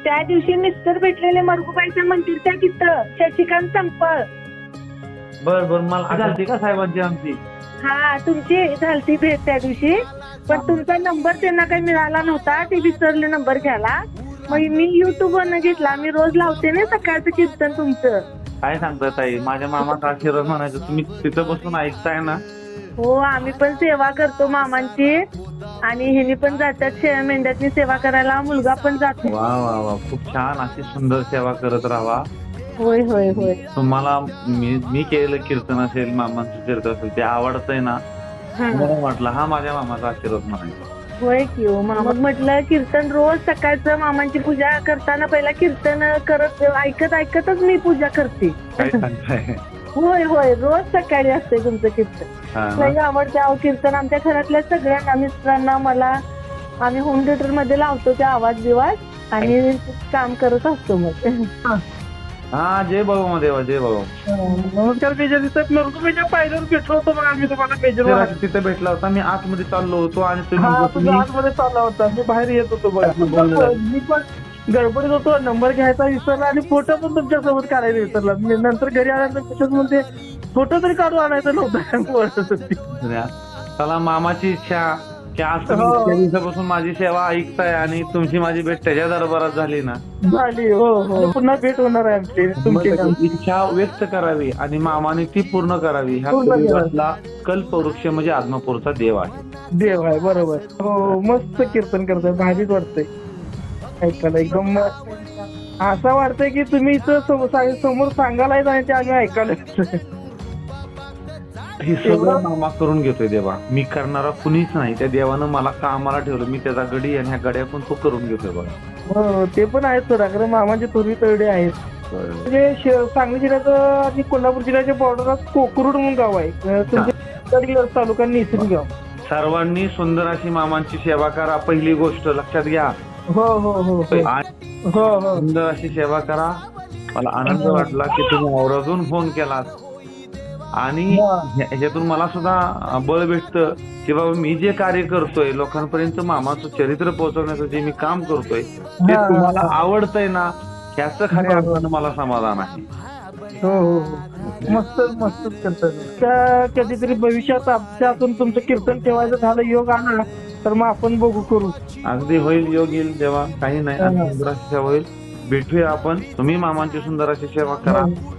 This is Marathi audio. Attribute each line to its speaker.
Speaker 1: त्या दिवशी मिस्टर भेटलेले मरगुबाईच्या मंदिरच्या तिथं शशिकांत संपळ.
Speaker 2: बर बर, मला आठवते का साहेबांची आमची.
Speaker 1: हा, तुमची झालती भेट त्या दिवशी, पण तुमचा नंबर त्यांना काही मिळाला नव्हता, ते विसरले नंबर घ्यायला. मग मी युट्यूब वरनं घेतला. मी रोज लावते ना सकाळचं कीर्तन तुमचं.
Speaker 2: काय सांगता ताई, माझ्या मामाचा आशीर्वाद म्हणायचं, तुम्ही तिथं बसून ऐकताय ना.
Speaker 1: हो, आम्ही पण सेवा करतो मामांची, आणि ह्यांनी पण जातात शेळ्या मेंढ्याची सेवा करायला. मुलगा पण जातो.
Speaker 2: वा वा वा, खूप छान. अशी सुंदर सेवा करत राहा.
Speaker 1: होय होय होय.
Speaker 2: तुम्हाला मी केलेलं कीर्तन असेल, मामांचं कीर्तन असेल, ते आवडतंय ना.
Speaker 1: हा.
Speaker 2: मला वाटलं हा माझ्या मामाचा आशीर्वाद म्हणायचा.
Speaker 1: होय की हो मामा. म्हटलं कीर्तन रोज सकाळचं मामांची पूजा करताना पहिला कीर्तन करत ऐकतच मी पूजा करते.
Speaker 2: काय सांगताय.
Speaker 1: होय होय, रोज सकाळी असते तुमचं कीर्तन.
Speaker 2: हा ना?
Speaker 1: लई आवडते अहो कीर्तन. आमच्या घरातल्या सगळ्यांना, मिस्टरांना, मला, आम्ही होम थिएटर मध्ये लावतो ते आवाज बिवाज आणि काम करत असतो मग.
Speaker 2: हा, जय बाबा देवा, जय बाबा.
Speaker 3: नमस्कार मेजर. तिथं नरसोबाच्या पायऱ्यावर भेटलो होतो बघा आम्ही तुम्हाला मेजर.
Speaker 2: तिथे भेटला होता. मी आतमध्ये चाललो होतो आणि
Speaker 3: हा, तुम्ही
Speaker 2: तुम्ही
Speaker 3: आतमध्ये चालला होता, मी बाहेर येत होतो बघा. मी पण गडबडीत होतो, नंबर घ्यायचा विसरला आणि फोटो पण तुमच्या सोबत काढायला विसरला. मी नंतर घरी आल्यानंतर तसंच म्हणते, फोटो तरी काढून आणायचं नव्हतं.
Speaker 2: चला, मामाची इच्छा की आज तुम्ही इतक्या दिवसापासून माझी सेवा ऐकताय आणि तुमची माझी भेट त्याच्या दरबारात झाली ना.
Speaker 3: झाली. हो हो, पुन्हा भेट होणार आहे आमची तुमची.
Speaker 2: इच्छा व्यक्त करावी आणि मामाने ती पूर्ण करावी. हा
Speaker 3: पूर्ण करावी.
Speaker 2: कलियुगातला कल्पवृक्ष म्हणजे आदमापूरचा देव आहे.
Speaker 3: देव आहे, बरोबर. हो, मस्त कीर्तन करताय, भारीच वाटतंय ऐकायला. एकदम असं वाटतंय की तुम्ही इथं समोर सांगायलाच आणि ते आम्ही ऐकायला.
Speaker 2: हे सगळं मामा करून घेतोय देवा. मी करणारा कुणीच नाही. त्या देवानं मला कामाला ठेवलं. मी त्याचा गडी आणि ह्या गड्या पण तो करून घेतोय बघा.
Speaker 3: हो, ते पण आहेत सोडा, कारण मामाचे थोरवी तळडे आहेत. म्हणजे सांगली जिल्ह्याचं आणि कोल्हापूर जिल्ह्याच्या बॉर्डरात कोकरूड म्हणून गाव आहे. तुमच्या तालुका नेसरी गाव.
Speaker 2: सर्वांनी सुंदर अशी मामांची सेवा करा. पहिली गोष्ट लक्षात घ्या.
Speaker 3: हो हो हो
Speaker 2: आणि
Speaker 3: हो हो.
Speaker 2: सुंदर अशी सेवा करा. मला आनंद वाटला की तुम्ही आवर्जून फोन केलात आणि ह्याच्यातून मला सुद्धा बळ भेटतं की बाबा मी जे कार्य करतोय, लोकांपर्यंत मामाचं चरित्र पोहोचवण्याचं जे मी काम करतोय ते तुम्हाला आवडतंय ना, ह्याचं खऱ्या अर्थानं मला समाधान आहे.
Speaker 3: हो हो हो, मस्त मस्तच करतात. कधीतरी भविष्यात आमच्यातून तुमचं कीर्तन ठेवायचं झालं, योग आला तर मग आपण बघू, करू.
Speaker 2: अगदी होईल, योग येईल तेव्हा. काही नाही, सुंदर अशी सेवा होईल. भेटूया आपण. तुम्ही मामांची सुंदर अशी सेवा करा.